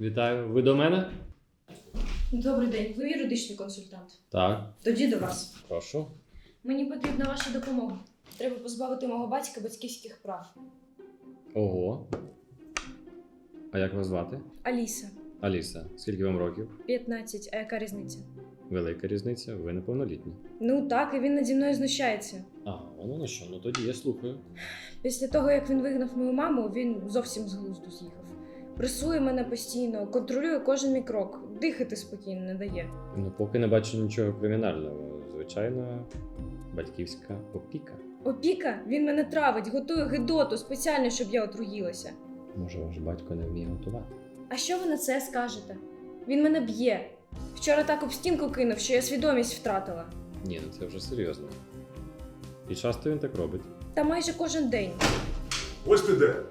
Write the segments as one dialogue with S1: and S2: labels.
S1: Вітаю. Ви до мене?
S2: Добрий день, ви юридичний консультант.
S1: Так.
S2: Тоді до вас.
S1: Прошу.
S2: Мені потрібна ваша допомога. Треба позбавити мого батька батьківських прав.
S1: Ого. А як вас звати?
S2: Аліса,
S1: Аліса. Скільки вам років?
S2: 15, а яка різниця?
S1: Велика різниця, ви неповнолітні.
S2: Ну так, і він наді мною знущається.
S1: А, воно на що? Ну тоді я слухаю.
S2: Після того, як він вигнав мою маму, він зовсім з глузду з'їхав. Пресує мене постійно, контролює кожен мій крок, дихати спокійно не дає.
S1: Ну, поки не бачу нічого кримінального. Звичайно, батьківська опіка.
S2: Опіка? Він мене травить, готує гидоту спеціально, щоб я отруїлася.
S1: Може, ваш батько не вміє готувати?
S2: А що ви на це скажете? Він мене б'є. Вчора так об стінку кинув, що я свідомість втратила.
S1: Ні, ну це вже серйозно. І часто він так робить.
S2: Та майже кожен день.
S3: Ось ти де.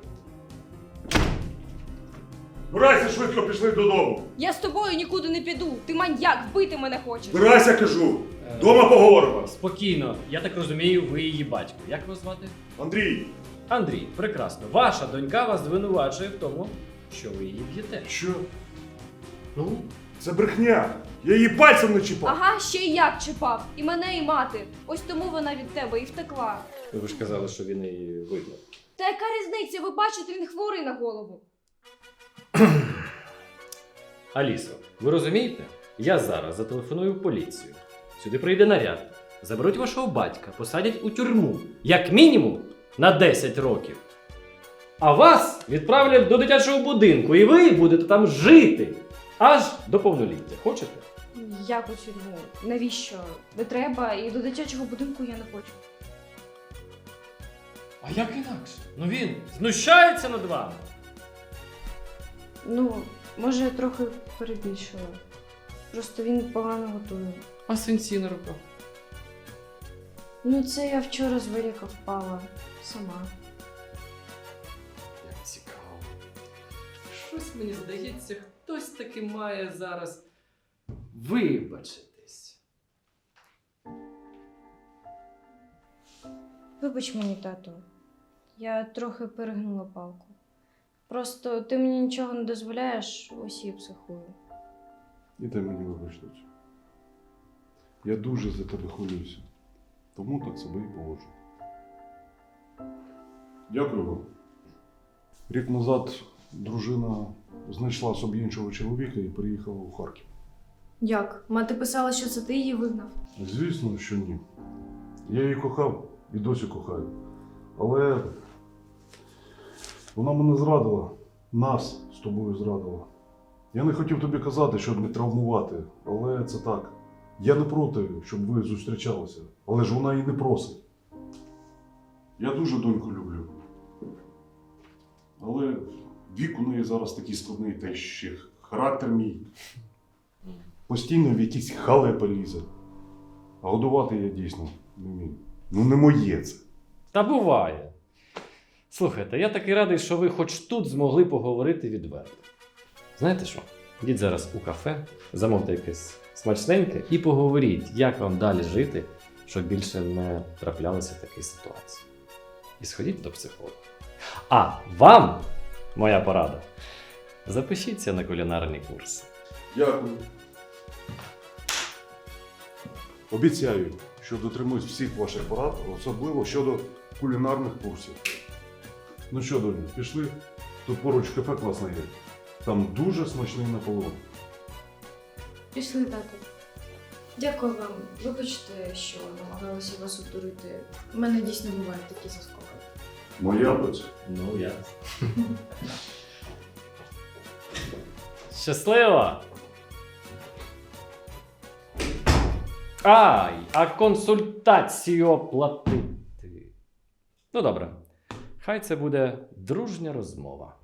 S3: Збирайся швидко, пішли додому.
S2: Я з тобою нікуди не піду. Ти маньяк, вбити мене хочеш.
S3: Збирайся, кажу. Дома поговоримо.
S4: Спокійно, я так розумію, ви її батько. Як вас звати?
S3: Андрій.
S4: Андрій, прекрасно. Ваша донька вас звинувачує в тому, що ви її б'єте.
S3: Що? Ну, це брехня. Я її пальцем не чіпав.
S2: Ага, ще й як чіпав. І мене, і мати. Ось тому вона від тебе і втекла.
S1: Ви ж казали, що він її вигнав.
S2: Та яка різниця? Ви бачите, він хворий на голову.
S1: Алісо, ви розумієте? Я зараз зателефоную в поліцію. Сюди прийде наряд. Заберуть вашого батька, посадять у тюрму. Як мінімум на 10 років. А вас відправлять до дитячого будинку, і ви будете там жити. Аж до повноліття. Хочете?
S2: Як у тюрму? Навіщо? Не треба, і до дитячого будинку я не хочу.
S4: А як інакше? Ну він знущається над вами.
S2: Ну, може, я трохи перебільшила. Просто він погано готує.
S1: А синці на руках?
S2: Ну, це я вчора з велика впала. Сама.
S1: Як цікаво. Щось мені здається, хтось таки має зараз вибачитись.
S2: Вибач мені, тату. Я трохи перегнула палку. Просто ти мені нічого не дозволяєш, ось і психую.
S3: І ти мені вибач, доцю. Я дуже за тебе хвилююся. Тому так себе і поводжу. Дякую вам. Рік назад дружина знайшла собі іншого чоловіка і переїхала у Харків.
S2: Як? Мати писала, що це ти її вигнав?
S3: Звісно, що ні. Я її кохав і досі кохаю. Але вона мене зрадила, нас з тобою зрадила. Я не хотів тобі казати, щоб не травмувати, але це так. Я не проти, щоб ви зустрічалися, але ж вона і не просить. Я дуже доньку люблю. Але вік у неї зараз такий складний, та ще характер мій. Постійно в якісь халепи лізе. А годувати я дійсно не вмію. Ну не моє це.
S1: Та буває. Слухайте, я такий радий, що ви хоч тут змогли поговорити відверто. Знаєте що? Йдіть зараз у кафе, замовте якесь смачненьке і поговоріть, як вам далі жити, щоб більше не траплялися такі ситуації. І сходіть до психолога. А вам, моя порада, запишіться на кулінарні курси.
S3: Дякую. Обіцяю, що дотримуюсь всіх ваших порад, особливо щодо кулінарних курсів. Ну що, доню, пішли? Тут поруч кафе класне є. Там дуже смачний наполеон.
S2: Пішли, тату. Дякую вам. Вибачте, що намагалася вас обдурити. У мене дійсно бувають такі заскоки.
S3: Моя доця.
S1: Ну, я. Щасливо! Ай, а консультацію оплатити. Ну добре, хай це буде дружня розмова.